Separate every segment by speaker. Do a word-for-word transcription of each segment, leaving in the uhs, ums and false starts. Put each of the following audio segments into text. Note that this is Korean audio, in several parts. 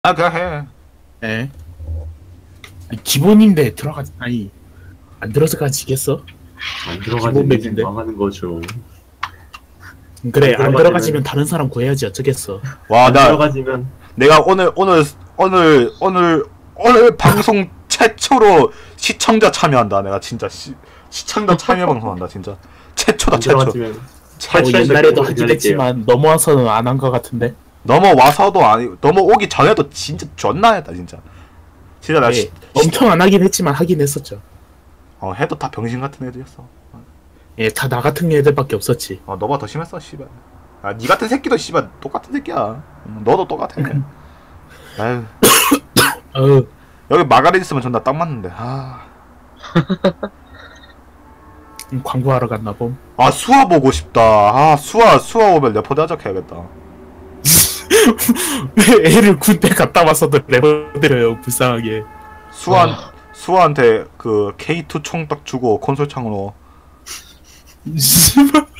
Speaker 1: 아 그냥 해.
Speaker 2: 예. 아니, 기본인데 들어가 아니 안 들어가지겠어?
Speaker 3: 안
Speaker 2: 기본
Speaker 3: 들어가지면
Speaker 2: 맵인데.
Speaker 3: 망하는 거죠.
Speaker 2: 그래 안
Speaker 3: 안
Speaker 2: 들어가지면
Speaker 3: 들어가지면
Speaker 2: 다른 사람 구해야지 어쩌겠어.
Speaker 1: 와
Speaker 3: 안
Speaker 1: 나
Speaker 3: 들어가지면
Speaker 1: 내가 오늘 오늘 오늘 오늘 오늘 방송 최초로 시청자 참여한다. 내가 진짜 시, 시청자 참여 방송한다 진짜. 최초다
Speaker 3: 안
Speaker 1: 최초.
Speaker 3: 들어가지면
Speaker 2: 뭐
Speaker 3: 탈출할
Speaker 2: 옛날에도
Speaker 3: 때
Speaker 2: 하긴
Speaker 3: 기다릴게요.
Speaker 2: 했지만 넘어와서는 안 한 것 같은데.
Speaker 1: 넘어와서도 아니 넘어오기 전에도 진짜 존나 했다 진짜. 진짜 나
Speaker 2: 예,
Speaker 1: 시,
Speaker 2: 엄청 안 하긴 했지만 하긴 했었죠.
Speaker 1: 어 해도 다 병신 같은 애들이었어.
Speaker 2: 예, 다 나 같은 애들밖에 없었지.
Speaker 1: 어 너보다 더 심했어 씨발. 아 니 같은 새끼도 씨발 똑같은 새끼야. 음, 너도 똑같아. 아유
Speaker 2: 어,
Speaker 1: 여기 마가린 있으면 존나 딱 맞는데. 아.
Speaker 2: 음, 광고하러 갔나 봄.
Speaker 1: 아 수아 보고 싶다. 아 수아 수아 오면 레포드 하자 해야겠다.
Speaker 2: 왜 애를 군대 갔다 와서도 레버드려요 불쌍하게.
Speaker 1: 수아 수아한테 그 케이 투 총 딱 주고 콘솔 창으로.
Speaker 2: 씨발.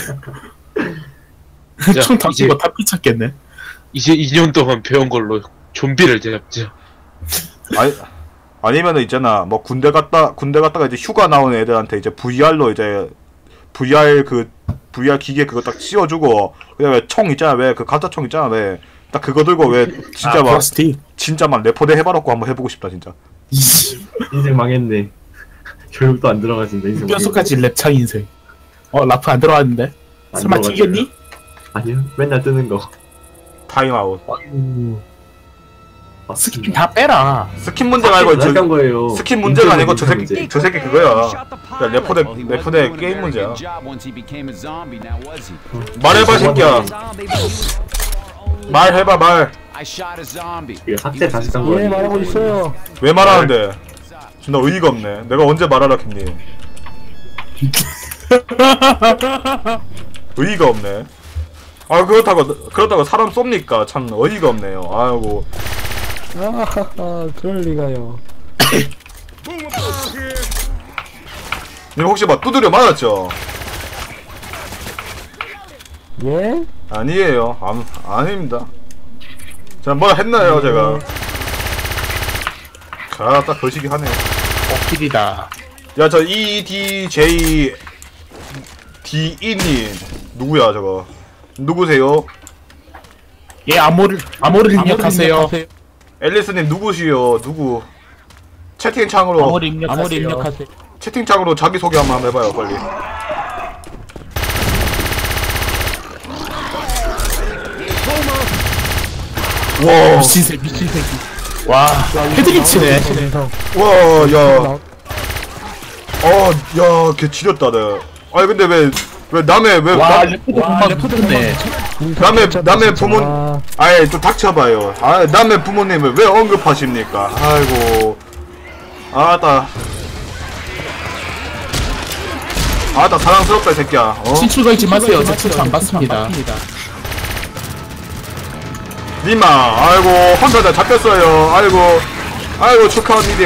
Speaker 4: 자,
Speaker 2: 총 던지고
Speaker 4: 이제-
Speaker 2: 다 피쳤겠네.
Speaker 4: 이제 이 년 동안 배운 걸로 좀비를 잡자.
Speaker 1: 아니 아니면은 있잖아 뭐 군대 갔다 군대 갔다가 이제 휴가 나온 애들한테 이제 브이알로 이제 브이알 그 브이알 기계 그거 딱 씌워주고 그다음에 총 있잖아 왜 그 가짜 총 있잖아 왜 딱 그거 들고 왜 진짜
Speaker 2: 아,
Speaker 1: 막
Speaker 2: 플라스틱.
Speaker 1: 진짜 막 레포대 해봐놓고 한번 해보고 싶다 진짜.
Speaker 3: 인생 망했네. 교육도 안 들어가진다. 인생
Speaker 2: 뼛속까지 랩창 인생. 어 라프 안 들어왔는데?
Speaker 3: 안
Speaker 2: 설마
Speaker 3: 들어가지고.
Speaker 2: 튀겼니?
Speaker 3: 아니요. 맨날 뜨는 거.
Speaker 1: 타임아웃.
Speaker 3: 아,
Speaker 2: 스킨 다 빼라.
Speaker 1: 스킨 문제 말고 저
Speaker 3: 한 거예요.
Speaker 1: 스킨 문제가 아니고 저 새끼
Speaker 3: 문제.
Speaker 1: 저 새끼 그거야. 야, 레포대 레포대 게임 문제야. 말해봐 새끼야. 말해봐 말.
Speaker 3: 이게 삭제 다시 한 거예요.
Speaker 5: 말하고 있어요.
Speaker 1: 왜 말하는데? 존나 의의가 없네. 내가 언제 말하라 했니? 의의가 없네. 아 그렇다고 그렇다고 사람 쏩니까? 참 어이가 없네요. 아이고.
Speaker 5: 아하하, 그럴 리가요.
Speaker 1: 님 혹시 막 두드려 맞았죠?
Speaker 5: 예?
Speaker 1: 아니에요. 아, 아닙니다. 자, 뭐 했나요, 제가? 아, 딱 거시기 하네.
Speaker 2: 어필이다.
Speaker 1: 야, 저 이디제이 디이님 누구야, 저거? 누구세요?
Speaker 2: 예 암호를 암호를 입력하세요.
Speaker 1: 앨리스님 누구시요? 누구? 채팅창으로
Speaker 2: 암호를 입력하세요.
Speaker 5: 아무리 입력하세요.
Speaker 1: 채팅창으로 자기 소개 한번 해봐요, 빨리. 와,
Speaker 2: 미친 새끼 미친 새끼. 와 헤드기 치네.
Speaker 1: 와, 야. 어, 야, 걔 지렸다, 내. 아니 근데 왜, 왜 남의 왜
Speaker 2: 와
Speaker 1: 남,
Speaker 2: 레프트 공방 레프트네.
Speaker 1: 남의 남의 부모, 아예 좀 닥쳐봐요. 아, 남의 부모님을 왜 언급하십니까? 아이고, 아따, 아따 사랑스럽다 이 새끼야. 어?
Speaker 2: 친추 걸지 마세요. 저 친추 안 받습니다.
Speaker 1: 니마, 아이고 혼자 다 잡혔어요. 아이고, 아이고 축하합니다.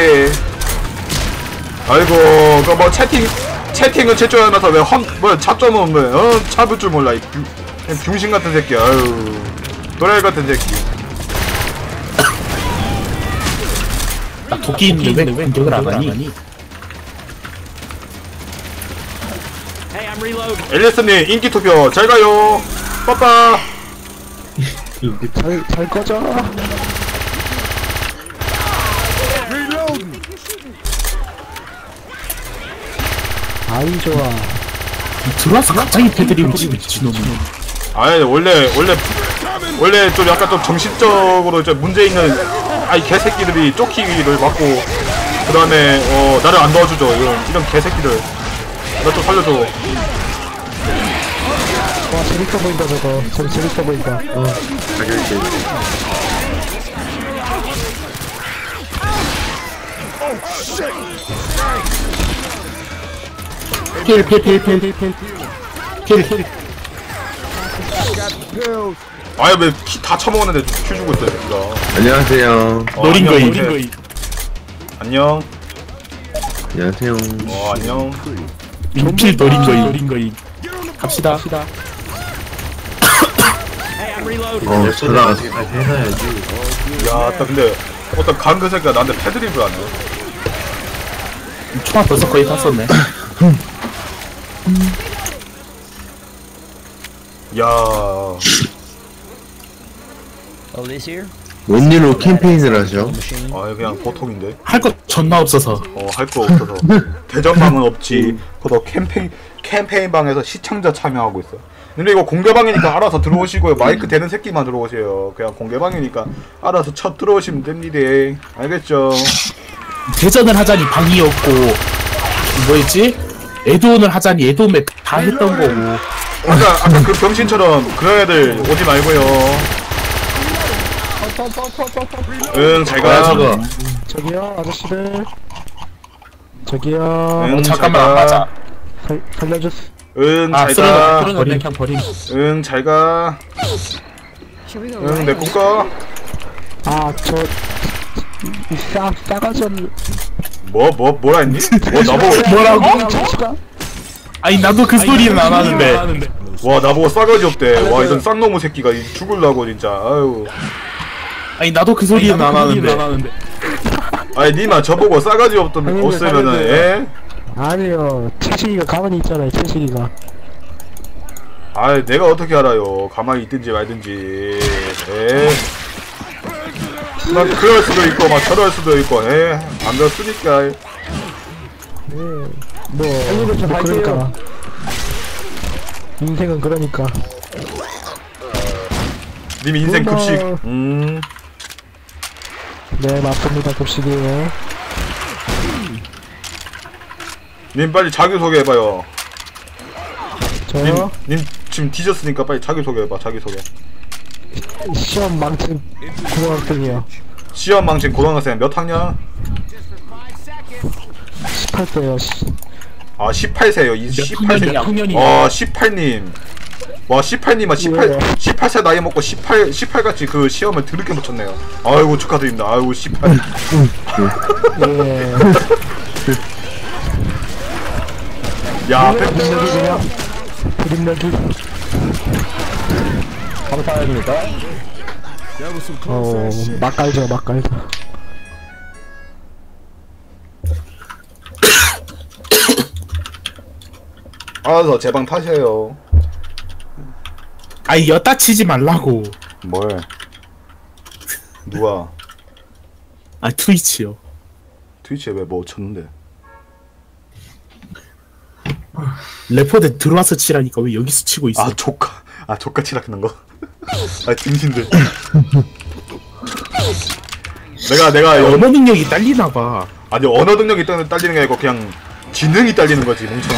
Speaker 1: 아이고, 그 뭐 채팅 채팅은 채점하면서 왜 험, 뭐 잡점은 뭐, 어 잡을 줄 몰라 이 병- 병신 같은 새끼. 아유, 도라이 같은 새끼.
Speaker 2: 나 도끼 있는데 왜 공격을 안 하니?
Speaker 1: 앨리스님 인기 투표 잘 가요. 빠빠.
Speaker 5: 잘, 잘 꺼져. 아이, 좋아.
Speaker 2: 들어와서 갑자기 패드립 미친놈이.
Speaker 1: 아니 원래 원래 원래 좀 약간 좀 정신적으로 좀 문제 있는 아이 개새끼들이 쫓기를 맞고 그 다음에 어 나를 안 도와주죠. 이런 이런 개새끼들 나 좀 살려줘.
Speaker 5: 와, 재밌어 보인다, 저거. 저거 재밌어 보인다. 어.
Speaker 3: 가격이
Speaker 2: 필필필필필필필
Speaker 1: 아니 왜 키 다 처먹었는데 큐 주고 있어 새끼가.
Speaker 6: 안녕하세요.
Speaker 1: 어,
Speaker 2: 노린
Speaker 1: 안녕,
Speaker 2: 거임.
Speaker 1: 노린 안녕.
Speaker 6: 안녕하세요.
Speaker 1: 어 안녕.
Speaker 2: 민필 노린 거임. 노린 거임. 갑시다.
Speaker 6: 어, 전화가
Speaker 3: 다시 해놔야지.
Speaker 1: 야, 딱 근데 어떤 강그 새끼가 나한테 패드립을 안 해.
Speaker 2: 총알 벌써 거의 다 썼네.
Speaker 1: 야,
Speaker 6: 웬일로 캠페인을 하죠?
Speaker 1: 아 그냥 보통인데.
Speaker 2: 할 거 존나 없어서.
Speaker 1: 어, 할 거 없어서. 대전방은 없지. 그것도 캠페인 캠페인 방에서 시청자 참여하고 있어. 근데 이거 공개방이니까 알아서 들어오시고요. 마이크 되는 새끼만 들어오세요. 그냥 공개방이니까 알아서 첫 들어오시면 됩니다. 알겠죠?
Speaker 2: 대전을 하자니 방이 없고 뭐였지? 에드온을 하자니 에드온에 다 했던 거고.
Speaker 1: 아까 아까 그 병신처럼 그런 애들 오지 말고요. 응, 잘
Speaker 6: 뭐야
Speaker 1: 가.
Speaker 6: 저거?
Speaker 5: 저기요 아저씨들. 저기요.
Speaker 1: 응,
Speaker 2: 잠깐만
Speaker 1: 잘
Speaker 2: 안
Speaker 1: 가.
Speaker 2: 맞아.
Speaker 5: 살, 살려주세요.
Speaker 1: 응,
Speaker 2: 아
Speaker 1: 잘
Speaker 2: 쓰러졌네.
Speaker 1: 가.
Speaker 2: 쓰러졌네. 그냥 버림.
Speaker 1: 응, 잘 가. 응, 내 꿈꿔.
Speaker 5: 아저 싸 싸가지 없는.
Speaker 1: 뭐, 뭐, 뭐라 했니? 뭐, 나보고,
Speaker 2: 뭐라고?
Speaker 5: 자식아.
Speaker 2: 아니 나도 그 소리는 안 하는데.
Speaker 1: 와, 나보고 싸가지 없대. 와, 이런 쌍놈의 새끼가 이 죽을라고, 진짜. 아유.
Speaker 2: 아니 나도 그 소리는 안 하는데.
Speaker 1: 아니, 니마 저보고 싸가지 없던,
Speaker 5: 아니,
Speaker 1: 없으면은,
Speaker 5: 아니,
Speaker 1: 예?
Speaker 5: 아니요 채식이가 가만히 있잖아요 채식이가.
Speaker 1: 아, 내가 어떻게 알아요. 가만히 있든지 말든지. 에. 막 그럴 수도 있고, 막 저럴 수도 있고, 에. 안 그렇으니까.
Speaker 5: 뭐, 뭐 그러니까 인생은 그러니까.
Speaker 1: 님 인생
Speaker 5: 고마워.
Speaker 1: 급식. 음.
Speaker 5: 네 맞습니다 급식이에요.
Speaker 1: 님 빨리 자기소개 해봐요. 님,
Speaker 5: 저요
Speaker 1: 님 지금 뒤졌으니까 빨리 자기소개 해봐, 자기소개.
Speaker 5: 시험 망친 고등학생이요.
Speaker 1: 시험 망친 고등학생 몇 학년?
Speaker 5: 십팔 세요.
Speaker 1: 아, 십팔 세요. 이 십팔 세.
Speaker 2: 학년이야, 학년이야.
Speaker 1: 어, 십팔 님. 와, 십팔 님은 십팔,
Speaker 5: 왜?
Speaker 1: 십팔 세 나이 먹고 십팔, 십팔 같이 그 시험을 드럽게 붙였네요. 아이고, 축하드립니다. 아이고, 십팔.
Speaker 5: 예.
Speaker 1: 야, 백,
Speaker 5: 드림력이 그냥 드림력이.
Speaker 2: 감사합니다.
Speaker 5: 어 막갈죠 막갈죠.
Speaker 1: 알아서 제 방 타세요.
Speaker 2: 아니 여따 치지 말라고.
Speaker 1: 뭘? 누가?
Speaker 2: 아 트위치요.
Speaker 1: 트위치에 왜 뭐 쳤는데?
Speaker 2: 레포대 들어와서 치라니까 왜 여기서 치고 있어?
Speaker 1: 아, 조카. 아, 조카 치락하는 거? 아, 등신들. 내가, 내가, 여,
Speaker 2: 언어 능력이 딸리나 봐.
Speaker 1: 아니, 언어 능력이 딸- 딸리는 게 아니고 그냥 지능이 딸리는 거지, 멍청아.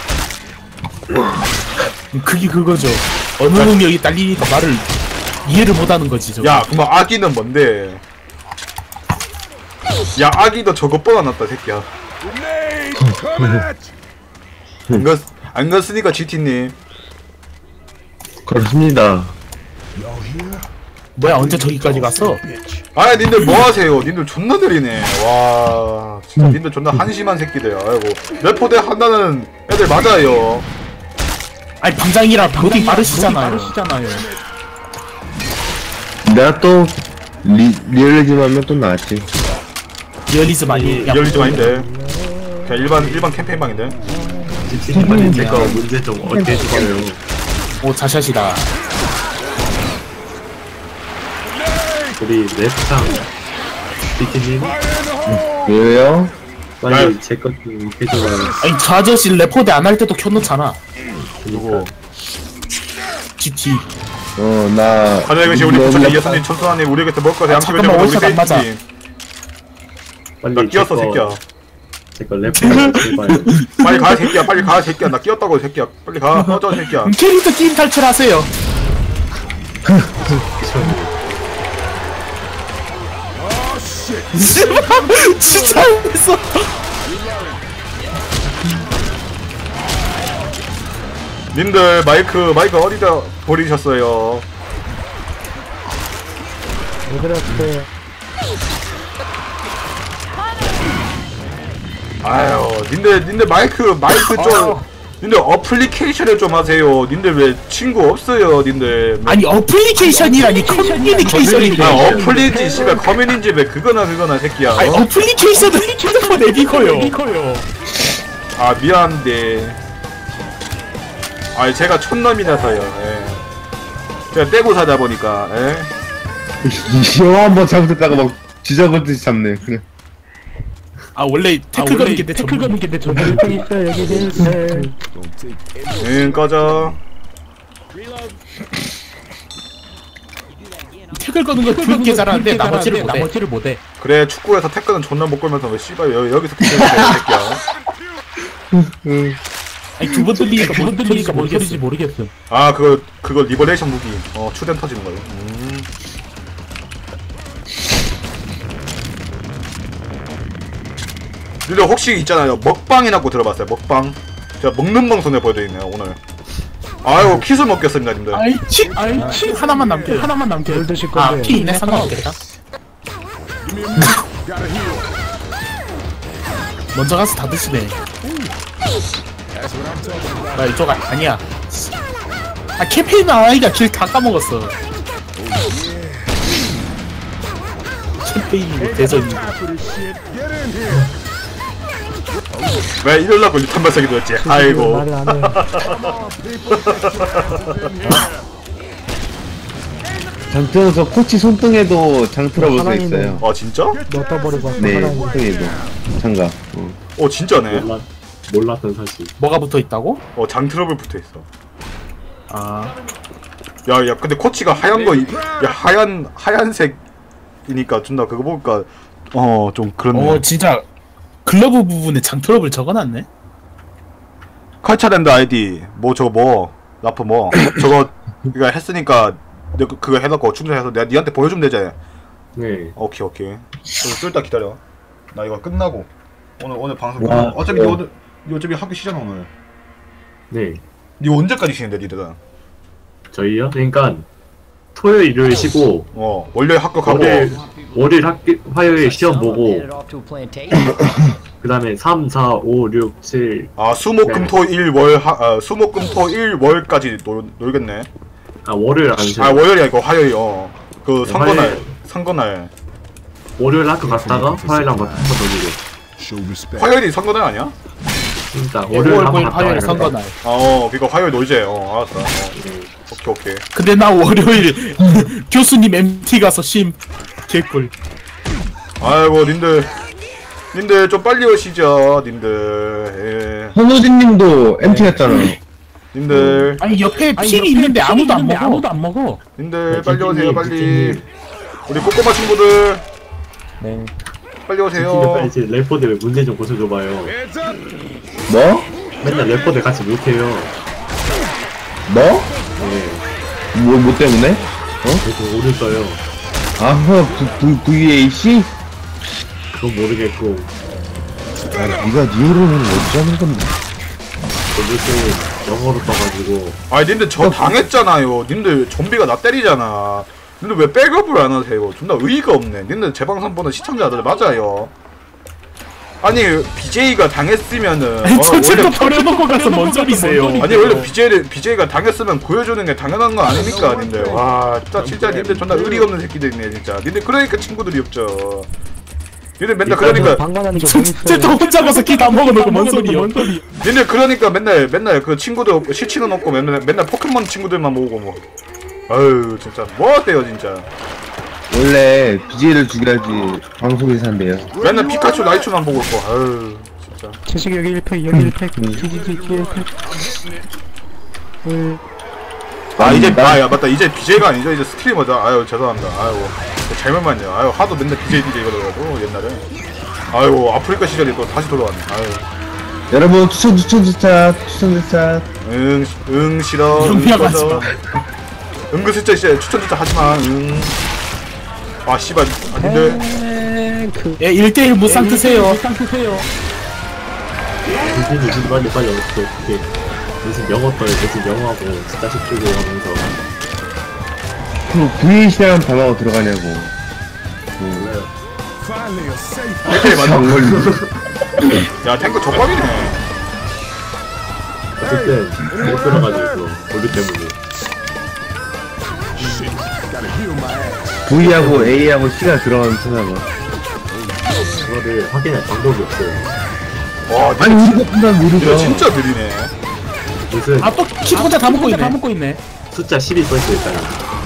Speaker 2: 그게 그거죠. 언어 능력이 딸리니까 말을 이해를 못하는 거지. 저거.
Speaker 1: 야, 그럼 아기는 뭔데? 야, 아기도 저거 뻔안났다, 새끼야. 안 갔, 안 갔으니까 지티님.
Speaker 6: 그렇습니다.
Speaker 2: 뭐야 언제 저기까지 갔어?
Speaker 1: 아, 님들 뭐 하세요? 님들 존나 느리네. 와, 진짜 님들 존나 한심한 새끼들. 아이고, 레포대 한다는 애들 맞아요.
Speaker 2: 아니 방장이랑 로딩 빠르시잖아요. 빠르시잖아요.
Speaker 6: 내가 또 리, 리얼리즘 하면 또 나았지.
Speaker 2: 리얼리즘 아니.
Speaker 1: 리얼리즘 아닌데. 그냥 일반, 일반 캠페인방인데.
Speaker 3: 지치님한테 제거 문제 좀 어떻게 해줄까요?
Speaker 2: 오 자샷이다.
Speaker 3: 우리 랩상 지치님
Speaker 6: 왜요?
Speaker 3: 빨리 제거좀 해줘봐요.
Speaker 2: 아니 저 아저씨 레포대 안 할 때도 켜놓잖아.
Speaker 1: 누구?
Speaker 2: 지티.
Speaker 6: 어, 나.
Speaker 1: 하늘의 계신 우리 부처님 예수님 천수하님 우리 곁에 먹을 것에 양식을
Speaker 2: 잠깐만,
Speaker 1: 주고
Speaker 2: 원샷 안 맞아.
Speaker 3: 빨리
Speaker 1: 나 끼었어, 새끼야.
Speaker 3: 제거 랩상 해봐요.
Speaker 1: 빨리 가, 새끼야. 빨리 가, 새끼야. 나 끼었다고, 새끼야. 빨리 가. 꺼져, 새끼야.
Speaker 2: 그럼 캐릭터 게임 탈출하세요. 진짜 했어.
Speaker 1: 님들 마이크 마이크 어디다 버리셨어요?
Speaker 5: 왜 그랬어요?
Speaker 1: 아유, 님들 님들 마이크 마이크 좀 님들 어플리케이션을 좀 하세요. 님들 왜 친구 없어요, 님들.
Speaker 2: 아니 어플리케이션이라니 커뮤니케이션인데.
Speaker 1: 아, 어플리지, 씨발, 커뮤니티 왜 그거나 그거나, 새끼야.
Speaker 2: 아니
Speaker 1: 어?
Speaker 2: 어플리케이션은 핸드폰 앱이고요.
Speaker 1: 아, 미안한데. 아, 제가 촌놈이라서요, 예. 제가 떼고 사다 보니까, 예.
Speaker 6: 영화 한번 잘못했다가 막 지저분듯이 잡네. 그냥.
Speaker 2: 아 원래 태클 거는 게 내
Speaker 5: 태클
Speaker 2: 전문.
Speaker 5: 거는 게내 전문. 여기 있어 여기 있어.
Speaker 1: 응, 꺼져.
Speaker 2: 태클 거는 거 그렇게 잘하는데 나머지를 못해.
Speaker 5: 나머지를 못해.
Speaker 1: 그래, 축구에서 태클은 존나 못 걸면서 왜 씨발 여, 여기서 태클을 해, 새끼야.
Speaker 2: 아니 두 번 들리니까
Speaker 5: 두번
Speaker 2: 뭔
Speaker 5: 들리니까 뭔
Speaker 2: 소리인지
Speaker 5: 소리인지 모르겠음.
Speaker 1: 아, 그거, 그거 리버레이션 무기. 어, 추된 터지는 거요. 음. 근데 혹시 있잖아요, 먹방이라고 들어봤어요? 먹방. 제가 먹는 방송에 보여드리네요, 오늘. 아이고, 키스 먹겠습니다, 님들.
Speaker 2: 아이 치 아이 치 하나만 남겨.
Speaker 5: 하나만 남겨. 뭘 드실
Speaker 2: 아
Speaker 5: 건데?
Speaker 2: 피 있네 상관없겠다. 먼저 가서 다 드시네. 나 이쪽 아, 아니야. 아 캠페인 아이가 길 다 까먹었어. 캠페인이고 대전이고.
Speaker 1: 왜 이럴라고 유탄 발사기 도였지? 아이고.
Speaker 5: 말을 안 해.
Speaker 6: 장트로서 코치 손등에도 장트러블 써
Speaker 5: 하나님은-
Speaker 6: 있어요.
Speaker 1: 아, 진짜?
Speaker 5: 너 떠버리고 왔어.
Speaker 6: 네,
Speaker 5: 하나님.
Speaker 6: 손등에도. 장갑. 어.
Speaker 1: 어, 진짜네.
Speaker 3: 몰라, 몰랐던 사실.
Speaker 2: 뭐가 붙어 있다고?
Speaker 1: 어, 장트러블 붙어 있어.
Speaker 2: 아
Speaker 1: 야, 야, 근데 코치가 하얀 거, 이- 야, 하얀, 하얀색이니까 존나 그거 보니까, 어, 좀 그렇네.
Speaker 2: 어 진짜 글러브 부분에 장트러블 적어놨네.
Speaker 1: 컬처랜드 아이디, 뭐, 저거 뭐, 라프 뭐, 저거, 이거 했으니까, 내가 그거 해놓고 충전해서 내가 니한테 보여주면 되지.
Speaker 3: 네.
Speaker 1: 오케이, 오케이. 좀 이따 기다려. 나 이거 끝나고. 오늘, 오늘 방송
Speaker 6: 와,
Speaker 1: 끝나고. 어차피
Speaker 6: 어.
Speaker 1: 니 오늘, 니 어차피 학교 쉬잖아, 오늘.
Speaker 3: 네.
Speaker 1: 니 언제까지 쉬는데, 니들은?
Speaker 3: 저희요? 그러니까 토요일, 일요일 쉬고
Speaker 1: 어, 월요일 학교 가고.
Speaker 3: 월요일, 월요일 학교, 화요일 시험 보고 그 다음에 삼, 사, 오, 육, 칠
Speaker 1: 아, 수목금토일 월, 하, 아, 수목금토일 월까지 놀, 놀겠네.
Speaker 3: 아 월요일 안 쉬어요.
Speaker 1: 아, 월요일이 아니고 화요일, 어. 그
Speaker 3: 네,
Speaker 1: 선거날,
Speaker 3: 화요일.
Speaker 1: 선거날.
Speaker 3: 월요일 학교 갔다가 화요일 한번 한번 더 놀고.
Speaker 1: 화요일이 선거날 아니야?
Speaker 3: 그러니까
Speaker 2: 월요일
Speaker 3: 월요일 한번 갔다가
Speaker 2: 화요일
Speaker 3: 이렇게.
Speaker 2: 선거날.
Speaker 1: 아, 어, 그니까 화요일 놀재. 어, 알았어. 어. 오케이, 오케이.
Speaker 2: 근데 나 월요일 교수님 엠티 가서 쉼 개꿀.
Speaker 1: 아이고, 님들. 님들 좀 빨리 오시죠, 님들. 예.
Speaker 6: 손호진님도 엠티였잖아.
Speaker 1: 님들.
Speaker 2: 아니 옆에
Speaker 5: 아니,
Speaker 2: 핀이
Speaker 5: 옆에
Speaker 2: 있는데
Speaker 5: 핀이
Speaker 2: 아무도 안
Speaker 5: 있는데
Speaker 2: 먹어.
Speaker 5: 아무도 안 먹어.
Speaker 1: 님들
Speaker 3: 네,
Speaker 1: 빨리 오세요,
Speaker 3: 지진님,
Speaker 1: 빨리.
Speaker 3: 지진님.
Speaker 1: 우리 꼬꼬마 친구들.
Speaker 5: 네.
Speaker 1: 빨리
Speaker 3: 근데
Speaker 1: 오세요.
Speaker 3: 빨리 이제 래퍼들 왜 문제 좀 고쳐줘봐요.
Speaker 6: 뭐?
Speaker 3: 맨날 래퍼들 같이 못해요.
Speaker 6: 뭐?
Speaker 3: 네.
Speaker 6: 뭐, 뭐 때문에?
Speaker 3: 그래서 오를 써요.
Speaker 6: 아, 그, 그, 브이에이씨?
Speaker 3: 그건 모르겠고
Speaker 6: 아, 니가 니오로는 어디 하는 건데?
Speaker 3: 저도 영어로 써가지고
Speaker 1: 아니, 님들 저 당했잖아요. 님들 좀비가 나 때리잖아. 님들 왜 백업을 안 하세요? 존나 의의가 없네. 님들 제 방송 보는 시청자들 맞아요. 아니, 비제이가 당했으면은.
Speaker 2: 아니
Speaker 1: 어,
Speaker 2: 전체도
Speaker 1: 원래-
Speaker 2: 버려놓고 가서 뭔 소리세요?
Speaker 1: 아니, 원래 비제이를, 비제이가 당했으면 보여주는 게 당연한 거 아닙니까, 님들. 와, 진짜, 진짜 님들 존나 의리 없는 새끼들이네, 진짜. 님들 그러니까 친구들이 없죠. 님들 맨날 그러니까,
Speaker 5: 방관하는 게
Speaker 2: 쟤도
Speaker 5: 뭐
Speaker 2: 혼자 가서 키 다 먹어놓고 뭔 소리요?
Speaker 1: 님들 그러니까 맨날, 맨날 그 친구들 없고, 실친은 없고, 맨날, 맨날 포켓몬 친구들만 모으고 뭐. 아유, 진짜. 뭐 어때요, 진짜.
Speaker 6: 원래 비제이를 죽여야지 방송에서 한대요.
Speaker 1: 맨날 피카츄, 라이츄만 보고 있고, 아유, 진짜.
Speaker 5: 채식 여기 일 팩 여기 일 팩 지지지 일 팩. 음,
Speaker 1: 아, 이제,
Speaker 6: 나-
Speaker 1: 아, 야, 맞다. 이제 비제이가 아니죠. 이제 스트리머죠. 아유, 죄송합니다. 아유, 잘못 맞네요. 아유, 하도 맨날 비제이, 비제이 이러더라고, 옛날에. 아유, 아프리카 시절이 또 다시 돌아왔네. 아유.
Speaker 6: 여러분, 추천, 추천, 추천, 추천, 추천.
Speaker 1: 응, 응, 싫어. 응,
Speaker 2: 용병 하지
Speaker 1: 꺼져.
Speaker 2: 마.
Speaker 1: 은근슬쩍 진짜 추천 진짜 하지마. 응. 아, 씨발. 아, 님들.
Speaker 5: 그
Speaker 2: 예, 일 대일 무쌍 드세요.
Speaker 5: 무쌍 드세요.
Speaker 3: 무슨 무슨 빨리 빨리 어떻게 어떻게 무슨 영어 떠요 무슨 영어하고 진짜 쉽게 하면서
Speaker 6: 그 브이에이씨라는 단어가 들어가냐고.
Speaker 3: 몰라요.
Speaker 1: 탱크에 맞아.
Speaker 6: 안 걸리.
Speaker 1: 야, 탱크 족밥이네.
Speaker 3: 그때 못 들어가지고 우리 때문에.
Speaker 6: V하고 A하고 C가 들어가는 찾아봐.
Speaker 3: 그거를 확인할 방법이 없어요.
Speaker 1: 와,
Speaker 6: 아니 우리가 분단
Speaker 1: 이거
Speaker 6: 모르죠.
Speaker 1: 진짜 느리네.
Speaker 3: 무슨
Speaker 2: 아또 키 혼자 다 먹고 있네. 다 먹고 있네.
Speaker 3: 숫자 십이 써있어 있잖아.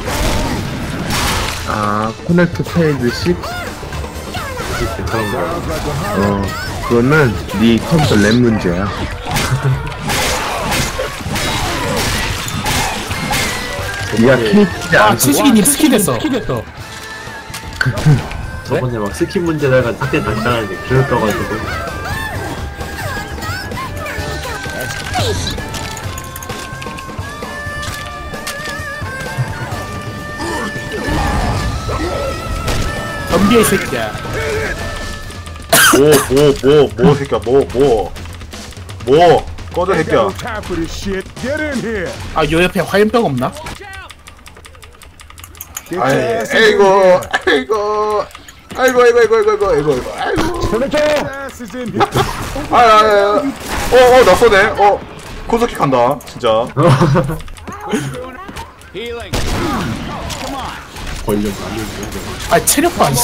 Speaker 6: 아 코넥트 페이드 십.
Speaker 3: 괜찮은 거.
Speaker 6: 어 그거는 네 컴퓨터 램 문제야. 니가 키지
Speaker 2: 아
Speaker 6: 않고
Speaker 2: 채식이님 스키 됐어. 스키 됐어.
Speaker 3: 저번에 막 스킨 문제다가 삭제 당당하게 기억 떠가지고.
Speaker 2: 덤비의 새끼야.
Speaker 1: 뭐, 뭐, 뭐, 뭐, 새끼야, 뭐, 뭐. 뭐, 꺼져, 새끼야.
Speaker 2: 아 요 옆에 화염병 없나?
Speaker 1: 아이, 에이고, 아이고. 아이고, 아이고, 아이고, 아이고, 아이고, 아이고, 아이고. 아, 아, 아, 어, 어, 나 쏘네. 어, 콘서킥 한다, 진짜.
Speaker 3: 걸려.
Speaker 2: 아 체력 봐.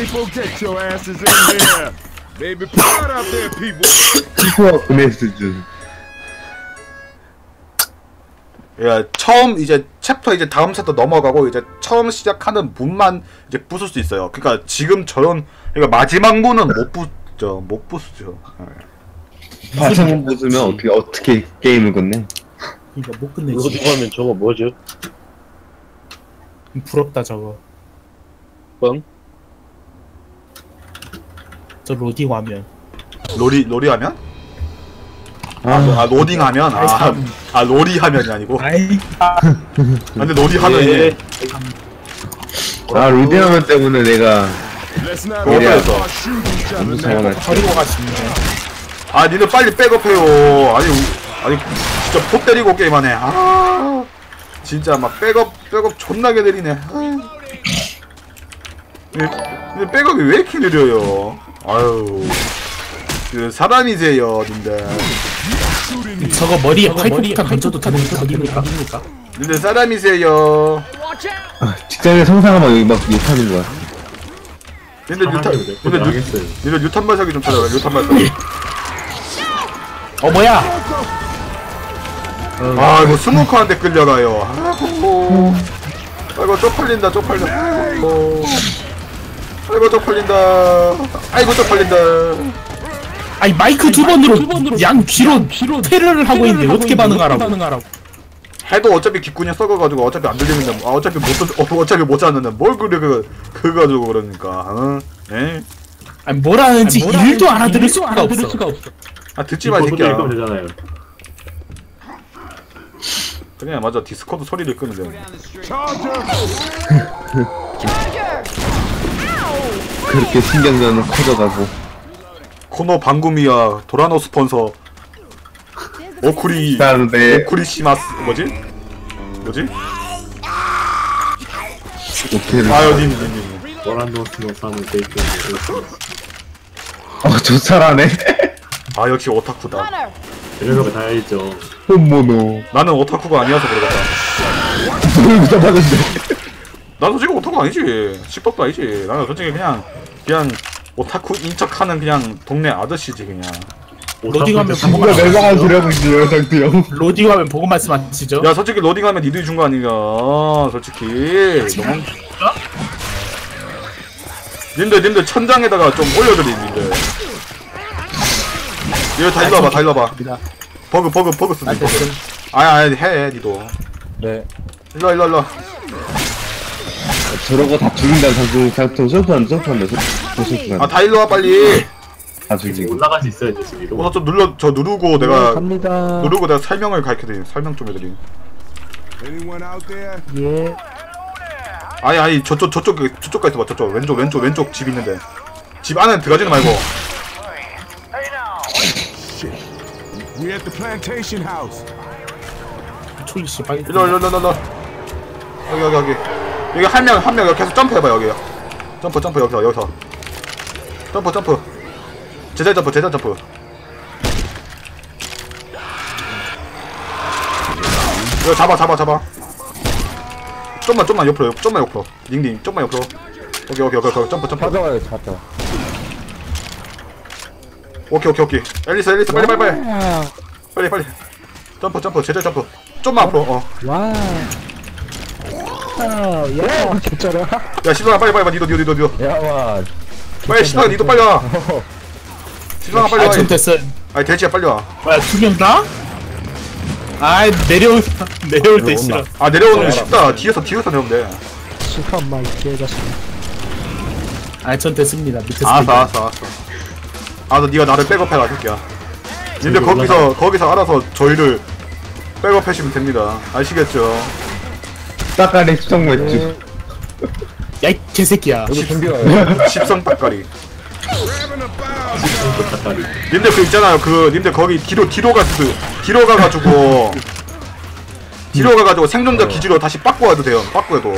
Speaker 6: 피부와 구매 수준.
Speaker 1: 야, 처음 이제 챕터 이제 다음 챕터 넘어가고 이제 처음 시작하는 문만 이제 부술 수 있어요. 그러니까 지금 저런 그러니까 마지막 문은 못 부죠, 못 부수죠.
Speaker 6: 화상 보수면 어떻게 어떻게 게임을 끝내?
Speaker 2: 그러니까 못
Speaker 4: 이거
Speaker 2: 끝내지.
Speaker 4: 누가 하면 저거 뭐죠?
Speaker 2: 부럽다 저거.
Speaker 4: 뻥?
Speaker 2: 저 로딩 화면.
Speaker 1: 로리 로리 하면? 아,
Speaker 6: 아,
Speaker 1: 아 로딩 하면?
Speaker 2: 아이,
Speaker 1: 아,
Speaker 2: 참.
Speaker 1: 아 로리 화면이 아니고.
Speaker 2: 아이.
Speaker 1: 아, 근데 로리 화면이
Speaker 4: 예.
Speaker 6: 아 로딩하면 때문에 내가
Speaker 1: 그거에서
Speaker 6: 너무 사용할.
Speaker 2: 버리고 가시네.
Speaker 1: 아 니들 빨리 백업해요. 아니 우- 아니 진짜 포 때리고 게임하네. 아 진짜 막 백업 백업 존나게 느리네. 아. 근데 백업이 왜 이렇게 느려요? 아유 그 사람이세요 님들.
Speaker 2: 저거 머리에 파이프부터 던져도 되는 거입니까?
Speaker 1: 님들 사람이세요.
Speaker 6: 아, 직장에 성상하면 여기 막 욕하는 거야.
Speaker 1: 님들 유탄
Speaker 3: 사람이 몇
Speaker 1: 님들 유
Speaker 3: 나겠어요.
Speaker 1: 님들 유탄 발사기 좀 찾아봐. 유탄 발사기.
Speaker 2: 어 뭐야?
Speaker 1: 아 이거 스모커한테 끌려가요. 아이고 아이고 쪽팔린다 쪽팔린다. 아이고 아이고 쪽팔린다. 아이고 쪽팔린다.
Speaker 2: 아니 마이크 두 번으로 양 귀로 테러를 하고 있는데 어떻게 반응하라고?
Speaker 1: 해도 어차피 귓구녕 썩어가지고 어차피 안 들리는데 아, 어차피 못 듣- 어, 어차피 못 자는데 뭘 그래 그 그거 가지고 그러니까 어? 예?
Speaker 2: 아니 뭘 하는지 일도 알아들을 수가 없어.
Speaker 1: 아 듣지 마 이
Speaker 3: 이거
Speaker 1: 새끼야.
Speaker 3: 읽으면 되잖아요.
Speaker 1: 그냥 맞아 디스코드 소리를 끄면 돼.
Speaker 6: 그렇게 신경전은 커져가고.
Speaker 1: 코노 방구미야 도라노 스폰서 오쿠리
Speaker 6: 그다음에
Speaker 1: 오쿠리 시마스 뭐지? 뭐지?
Speaker 6: 오케이를.
Speaker 1: 아요님님님
Speaker 3: 워란도스노 사는 데이트.
Speaker 6: 어저 잘하네.
Speaker 1: 아 역시 오타쿠다.
Speaker 3: 이런 거 다 알죠.
Speaker 6: 혼모노.
Speaker 1: 나는 오타쿠가 아니어서 그러겠다.
Speaker 6: 뭘 잡았는데.
Speaker 1: 난 솔직히 오타쿠 아니지. 십덕도 아니지. 나는 솔직히 그냥 그냥 오타쿠인 척하는 그냥 동네 아저씨지 그냥.
Speaker 2: 로딩하면
Speaker 6: 누가
Speaker 2: 보고
Speaker 6: 멸망한 소리 하고 있는 상태 형.
Speaker 2: 로딩하면 보고 말씀하시죠.
Speaker 1: 야 솔직히 로딩하면 니들이 준 거 아닌가 솔직히 너무 님들 님들 천장에다가 좀 올려드리 님들 이거 다 일로 와봐 다 일로 와봐 버그 버그 버그 쓰지 버그 아니 아니 해 니도
Speaker 2: 네.
Speaker 1: 일로 와 일로 와 일로 와
Speaker 6: 저러고 다 죽인다는 상태 상태 점프한다 점프한다 점프한다.
Speaker 1: 아 다 일로 와 빨리
Speaker 6: 다 죽이고.
Speaker 3: 올라갈 수 있어요, 이제 지금.
Speaker 1: 우선 좀 눌러 저 누르고
Speaker 5: 네,
Speaker 1: 내가
Speaker 5: 갑니다.
Speaker 1: 누르고 내가 설명을 가르쳐드림 설명 좀 해드림
Speaker 5: 예.
Speaker 1: 아니 아니 저쪽 저쪽 저쪽까지 봐 저쪽 왼쪽 왼쪽 왼쪽 집 있는데 집 안에 들어가지는 말고
Speaker 7: We at the plantation house.
Speaker 2: 초이 씨 빨리.
Speaker 1: 일로 일로 일로 일로 여기 여기 여기 여기 한 명 한 명 여기 계속 점프해봐 여기 점프 점프 여기서 여기서 점프 점프 제자 점프 제자 점프 이거 잡아 잡아 잡아. 좀만 좀만 옆으로 좀만 옆으로. 닝닝 좀만 옆으로. 오케이 오케이 오케이 점프 점프.
Speaker 8: 찾아와요 찾아.
Speaker 1: 오케이 오케이 오케이. 앨리스 앨리스 빨리 빨리 빨리
Speaker 5: 와.
Speaker 1: 빨리 빨리. 점프 점프 제자 점프. 좀만 앞으로. 어.
Speaker 5: 와. 아, 야, 개쩔어.
Speaker 1: 야 시선아 빨리 빨리 빨리 니도 니도 니도 니도.
Speaker 8: 야와.
Speaker 1: 빨리 시선아 니도 빨리 와. 시선아 빨리
Speaker 2: 아,
Speaker 1: 와.
Speaker 2: 전 됐어.
Speaker 1: 아니 대지야 빨리 와.
Speaker 2: 뭐야, 두 명 다? 아이, 내려올, 내려올 때 싫어.
Speaker 1: 아 내려오는 거 쉽다. 뒤에서 뒤에서 내려오면 돼.
Speaker 5: 실컷 막 개자식.
Speaker 2: 아, 전 됐습니다. 밑에서.
Speaker 1: 알았어 알았어 알았어. 알았어 니가 나를 백업해라 새끼야. 근데 거기서 거기서 알아서 저희를 백업하시면 됩니다. 아시겠죠?
Speaker 6: 따까리 수정 맥주.
Speaker 2: 야, 이 개새끼야.
Speaker 8: 여기 준비 와요.
Speaker 1: 십성 닭가리. 님들 그 있잖아요. 그 님들 거기 뒤로 뒤로 갔스 뒤로 가가지고 뒤로 가가지고 생존자 기지로 다시 바꿔와도 돼요. 바꿔도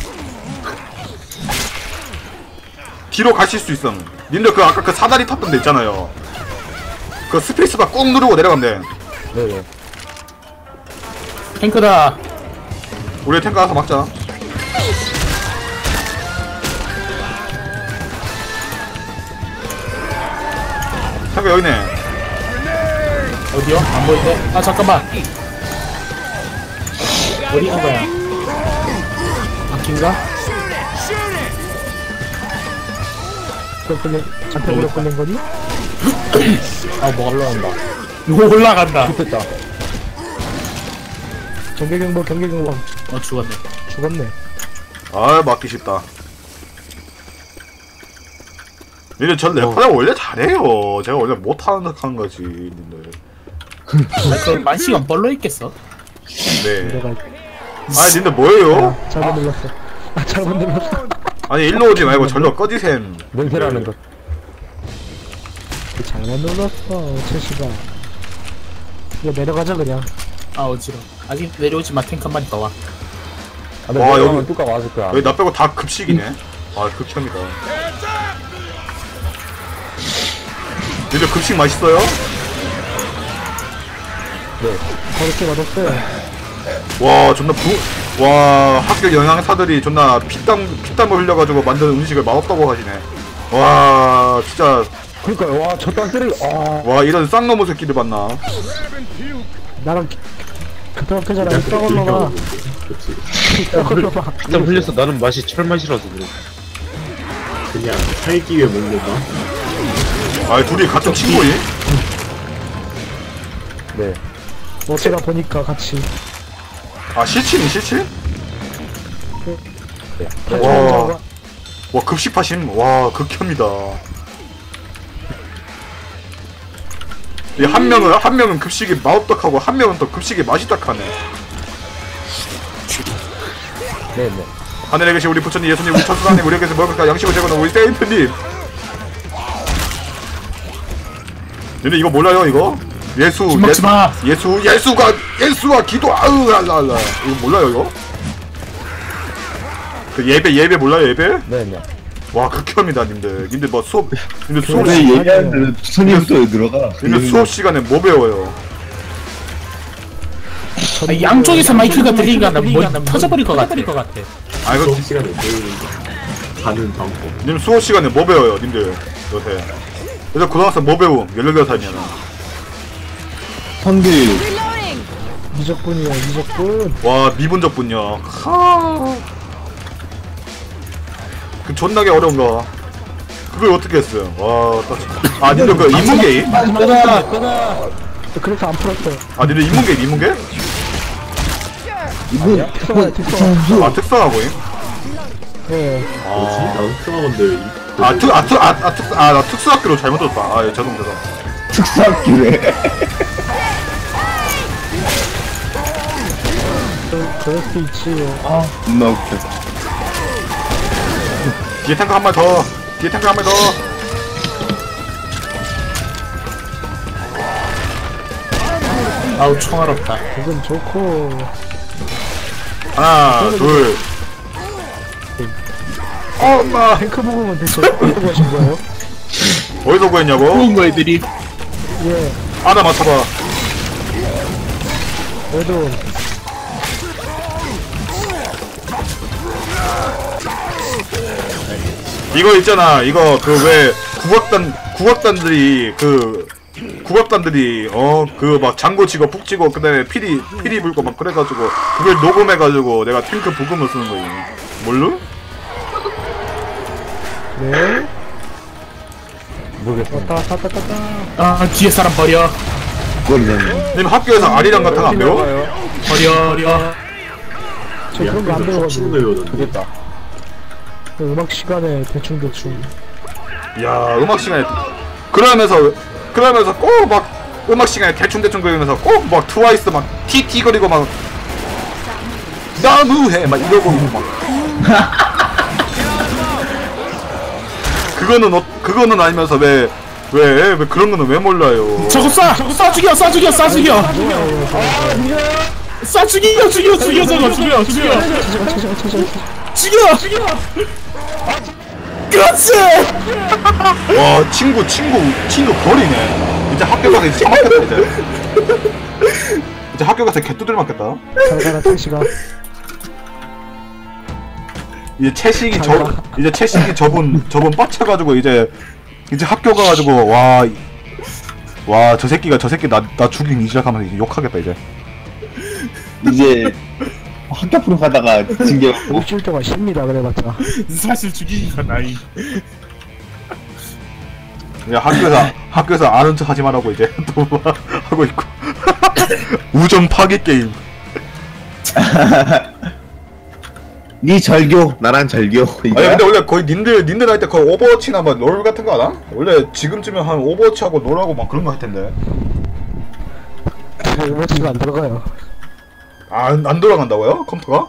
Speaker 1: 뒤로 가실 수 있어. 님들 그 아까 그 사다리 탔던 데 있잖아요. 그 스페이스바 꾹 누르고 내려가면 돼.
Speaker 8: 네네.
Speaker 2: 탱크다.
Speaker 1: 우리 탱크 가서 막자. 탱크 여기네.
Speaker 2: 어디요? 안 보이네. 아, 잠깐만. 어디 간 거야? 바뀐가?
Speaker 5: 또 끌린, 잡혀버려 끌린 거니?
Speaker 8: 아 뭐 올라온다.
Speaker 2: 이거 올라간다.
Speaker 8: 됐다.
Speaker 5: 경계경보, 경계경보.
Speaker 2: 어, 죽었네.
Speaker 5: 죽었네.
Speaker 1: 아 맞기 쉽다. 니들 전 래퍼가 원래 잘해요. 제가 원래 못하는 척 하는 거지 님들.
Speaker 2: 아, 그 만시간 벌러 있겠어?
Speaker 1: 네.
Speaker 5: 내가
Speaker 1: 아니 님들 뭐예요?
Speaker 5: 아, 잘못 눌렀어. 아, 잘못 눌렀어.
Speaker 1: 아니 일로 오지 말고 절로 꺼지셈.
Speaker 8: 냄새나는 것.
Speaker 5: 잘못 눌렀어, 채시가. 이거 내려가자, 그냥.
Speaker 2: 아, 어지러. 아직 내려오지 마. 탱크 한 마리 더 와.
Speaker 8: 아, 근데
Speaker 1: 와,
Speaker 8: 여기
Speaker 1: 여기-
Speaker 8: 뚜까 왔을 거야.
Speaker 1: 여기 나 빼고 다 급식이네. 아 극혐이다. 니들 급식 맛있어요?
Speaker 5: 그렇게 맛없어요.
Speaker 1: 와 존나 부... 와 학교 영양사들이 존나 피땀 피땀을 흘려가지고 만든 음식을 맛없다고 하시네. 와 진짜
Speaker 8: 그러니까요. 와, 저딴 쓰레기. 아.
Speaker 1: 와 이런 쌍놈의 새끼들 봤나?
Speaker 5: 나랑 그렇게잖아. 떠올라봐. 떠올라봐.
Speaker 4: 일단 흘려서 나는 맛이 철맛이라서 그래.
Speaker 3: 그냥 살기 위해 먹는 거.
Speaker 1: 아 둘이 같은 친구니?
Speaker 8: 네.
Speaker 5: 뭐 제가 보니까 같이.
Speaker 1: 아 실친이 실친?
Speaker 5: 와.
Speaker 1: 와, 와 급식파심 와 극혐이다. 이 한 명은 한 명은 급식이 맛없다하고 한 명은 또 급식이 맛있다하네.
Speaker 8: 네네.
Speaker 1: 하늘에 계신 우리 부처님 예수님 우리 천수사님 우리에게서 먹을까 양식을 제공하는 우리 세인트님. 근데 이거 몰라요 이거? 예수
Speaker 2: 술 먹지 마.
Speaker 1: 예수 예수가 예수와 기도 아으 알라알라 이거 몰라요 이거? 그 예배 예배 몰라요 예배?
Speaker 8: 네네.
Speaker 1: 와 극혐이다 님들. 님들 뭐 수업 님들 수업
Speaker 6: 근데
Speaker 1: 시
Speaker 6: 얘기하는데 선임부터 들어가.
Speaker 1: 님들 수업 시간에 뭐 배워요?
Speaker 2: 아, 양쪽에서 마이크가 들리니까 나 뭐, 터져버릴 것 같아.
Speaker 1: 아 이거
Speaker 3: 수업 시간에 배우는 거. 가는 방법.
Speaker 1: 님 수업 시간에 뭐 배워요 님들 요새? 요새 고등학생 뭐 배움? 열여덟 살이면
Speaker 6: 선기
Speaker 5: 미적분이야, 미적분.
Speaker 1: 와 미분적분요. 그 존나게 어려운 거. 그걸 어떻게 했어요? 와, 딱- 아 님들 그 인문계임?
Speaker 5: 그래서 안 풀었어요.
Speaker 1: 아 님들 인문계임 인문계?
Speaker 6: 이분
Speaker 5: 특성화, 특성화.
Speaker 1: 아 특성화고임?
Speaker 5: 예.
Speaker 3: 뭐지? 나도 특성화건데.
Speaker 1: 아 특, 아 특, 아, 아 특, 아 나 특수학교로 잘못 들었다. 아 예, 죄송 죄송.
Speaker 6: 특사학기래.
Speaker 5: 그, 그럴 수 있지.
Speaker 6: 아, 존나 웃겨.
Speaker 1: 뒤에 탱크 한 마리 더. 뒤에 탱크 한 마리 더.
Speaker 2: 아우, 총알없다.
Speaker 5: 그건 좋고.
Speaker 1: 하나, 둘. 어, 엄마.
Speaker 5: 탱크 부분은 대체 어떻게 하신 거예요?
Speaker 1: 어디서 구했냐고?
Speaker 2: 좋은 거 애들이.
Speaker 5: 예.
Speaker 1: 하나 맞춰봐.
Speaker 5: 그래도
Speaker 1: 이거 있잖아. 이거 그 왜 국악단 국악단들이 그 국악단들이 어 그 막 장구 치고 푹 치고 그다음에 피리 피리 불고 막 그래가지고 그걸 녹음해가지고 내가 탱크 부금을 쓰는 거지. 뭘로?
Speaker 5: 네.
Speaker 8: 모르겠어.
Speaker 5: 왔다 왔다 왔다 왔다.
Speaker 2: 아 뒤에 사람 버려
Speaker 6: 그거는
Speaker 1: 님 학교에서 아리랑 같은 거 안 배워?
Speaker 2: 버려 버려.
Speaker 5: 저 그런 거 안
Speaker 3: 치는
Speaker 5: 배워가지고
Speaker 3: 거 배우던데.
Speaker 8: 되겠다.
Speaker 5: 그 음악 시간에 대충 대충.
Speaker 1: 야 음악 시간에 그러면서 그러면서 꼭 막 음악 시간에 대충 대충 그리면서 꼭 막 트와이스 막 티티 거리고 막 너무해 막 이러고 막 그거는 어, 그거는 아니면서 왜 왜 왜 그런 거는 왜 몰라요?
Speaker 2: 저거 쏴! 저거 쏴 죽여! 쏴 죽여! 쏴 죽여! 쏴 죽여! 죽여! 죽여! 저거 죽여! 죽여! 죽여! 죽여! 그렇지!
Speaker 1: 와 친구 친구 친구 버리네. 이제 학교 가서 이제 처맞겠다 이제. 이제 학교 가서 개뚜들 맞겠다.
Speaker 5: 잘 가라 택시가.
Speaker 1: 이제 채식이 저 이제 채식이 저분 저분 빡쳐가지고 이제 이제 학교 가가지고 와 와 저 새끼가 저 새끼 나 나 죽이기 시작하면 이제 욕하겠다 이제.
Speaker 6: 이제 학교 앞으로 가다가 징계 받고
Speaker 5: 일주일 동안 쉽니다 그래봤자.
Speaker 2: 사실 죽이기가 나이.
Speaker 1: 야 학교에서 학교에서 아는 척 하지 말라고 이제 또 하고 있고. 우정 파괴 게임.
Speaker 6: 니 절교 나랑 절교
Speaker 1: 아니
Speaker 6: 이거야?
Speaker 1: 근데 원래 거의 님들 님들 할 때 거의 오버워치나 뭐 롤 같은 거 하나? 원래 지금쯤엔 한 오버워치 하고 롤하고 막 그런 거 할 텐데.
Speaker 5: 음악치가 안 들어가요.
Speaker 1: 안 안 돌아간다고요? 컴퓨터가?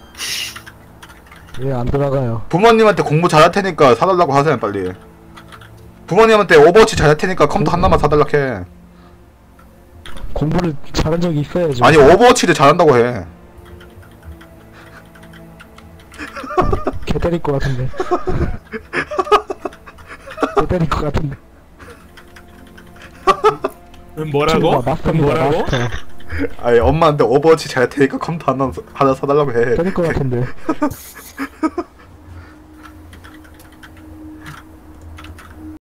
Speaker 5: 예, 안 들어가요.
Speaker 1: 부모님한테 공부 잘할 테니까 사달라고 하세요 빨리. 부모님한테 오버워치 잘할 테니까 컴퓨터 하나만 사달라고 해.
Speaker 5: 공부를 잘한 적이 있어야죠.
Speaker 1: 아니 오버워치를 잘한다고 해.
Speaker 5: 개 때릴 것 같은데. 개 때릴 것 같은데.
Speaker 2: 뭐라고?
Speaker 5: 마스터입니다,
Speaker 2: 뭐라고?
Speaker 5: 마스터.
Speaker 1: 아니 엄마한테 오버워치 잘할 테니까 컴퓨터 하나 하나 사달라고 해.
Speaker 5: 때릴 것 같은데.